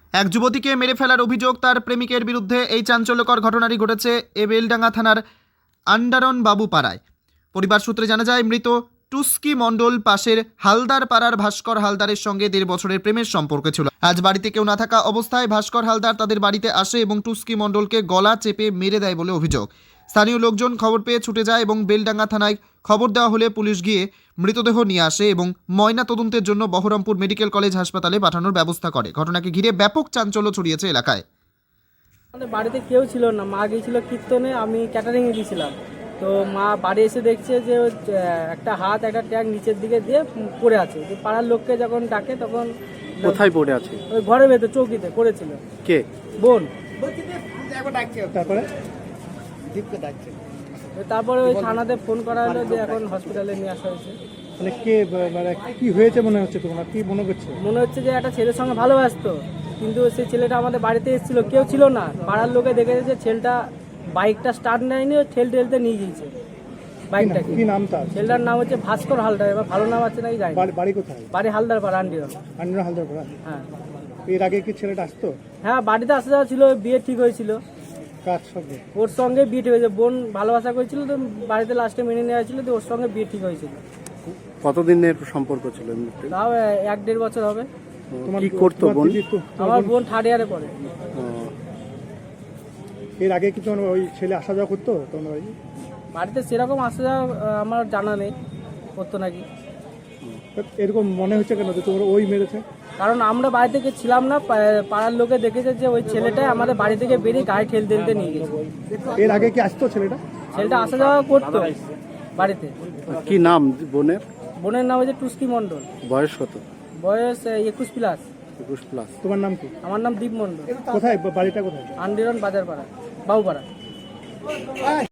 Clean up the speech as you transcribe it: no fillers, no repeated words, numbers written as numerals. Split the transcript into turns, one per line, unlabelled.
এক যুবতীকে মেরে ফেলার অভিযোগ তার প্রেমিকের বিরুদ্ধে। এই চাঞ্চল্যকর ঘটনাটি ঘটেছে বেলডাঙ্গা থানার আন্ডারন বাবু পাড়ায়। পরিবার সূত্রে জানা যায়, মৃত টুস্কি মণ্ডল পাশের হালদার পাড়ার ভাস্কর হালদারের সঙ্গে 1.5 বছরের প্রেমের সম্পর্ক ছিল। আজ বাড়িতে কেউ না থাকা অবস্থায় ভাস্কর হালদার তাদের বাড়িতে আসে এবং টুস্কি মণ্ডলকে গলা চেপে মেরে দেয় বলে অভিযোগ। স্থানীয় লোকজন খবর পেয়ে ছুটে যায় এবং বেলডাঙ্গা থানায় খবর দেওয়া হলে পুলিশ গিয়ে মৃতদেহ নিয়ে আসে এবং ময়না তদন্তের জন্য বহরমপুর মেডিকেল কলেজ হাসপাতালে পাঠানোর ব্যবস্থা করে। ঘটনাকে ঘিরে ব্যাপক চাঞ্চল্য ছড়িয়েছে এলাকায়।
আমাদের বাড়িতে কেউ ছিল না, মা গিয়েছিল কীর্তনে, আমি ক্যাটারিংয়ে গিয়েছিলাম। তো মা বাড়ি এসে দেখছে যে একটা হাত একটা ট্যাগ নিচের দিকে দিয়ে পড়ে আছে। যে পাড়ার লোককে যখন ডাকে তখন
কোথায় পড়ে আছে?
ওই ঘরের ভেতর চৌকিতে পড়েছিল।
কে?
বোন।
তারপরে
তারপরে ওই থানাতে ফোন করা হলো যে এখন হসপিটালে নিয়ে আসা হয়েছে।
মানে কে, মানে কি হয়েছে মনে হচ্ছে তোমার? কি মনে করছে?
মনে হচ্ছে যে একটা ছেলের সঙ্গে ভালোবাসতো, কিন্তু সেই ছেলেটা আমাদের বাড়িতে এসেছিল, কেউ ছিল না। পাড়ার লোকে দেখেছে যে ছেলেটা বাইকটা স্টার্ট নেয়নি, ঠেলতে নিয়ে গিয়েছে বাইকটা।
কি নাম তার?
ছেলেটার নাম হচ্ছে ভাস্কর হালদার। এবার ভালো নাম আছে নাকি জানি না।
বাড়ি কোথায়?
বাড়ি হালদার পাড়া, আন্ডিরন।
আন্ডার হালদার পাড়া।
হ্যাঁ
এর আগে কি ছেলেটা আসতো?
হ্যাঁ, বাড়িতে আসা যাওয়া ছিল, বিয়ে ঠিক হয়েছিল।
কার সঙ্গে?
ওর সঙ্গে বিয়ে ঠিক হয়েছে। বোন ভালোবাসা করেছিল, তো বাড়িতে লাস্টে মেনে নেওয়া হয়েছিল, তো ওর সঙ্গে বিয়ে ঠিক হয়েছিল।
কতদিনের সম্পর্ক ছিল?
তাও 1-1.5 বছর হবে।
কি করতো বোন?
আমার বোন 3rd ইয়ারে পড়ে।
এর আগে কি তোমার ওই ছেলে আসা যাওয়া করতো তোমার বাড়ি?
বাড়িতে সেরকম আসা যাওয়া আমার জানা নেই, করতো নাকি।
এরকম মনে হচ্ছে কেন যে তোমার ওই মেরেছে?
কারণ আমরা বাড়ি থেকে ছিলাম না, পাড়ার লোকে দেখেছে যে ওই ছেলেটাই আমাদের বাড়ি থেকে বেরিয়ে গায়ে ঠেলতে নিয়ে গেছে।
এর আগে কি আসতো ছেলেটা?
ছেলেটা আসা যাওয়া করতো বাড়িতে।
কি নাম বোনের?
বোনের নাম হচ্ছে টুস্কি মণ্ডল।
বয়স কত?
বয়স 21+।
21+। তোমার নাম কি?
আমার নাম দীপ মণ্ডল।
কোথায় বাড়িটা? কোথায়?
আন্ডিরন বাজারপাড়া, বাবুপাড়া।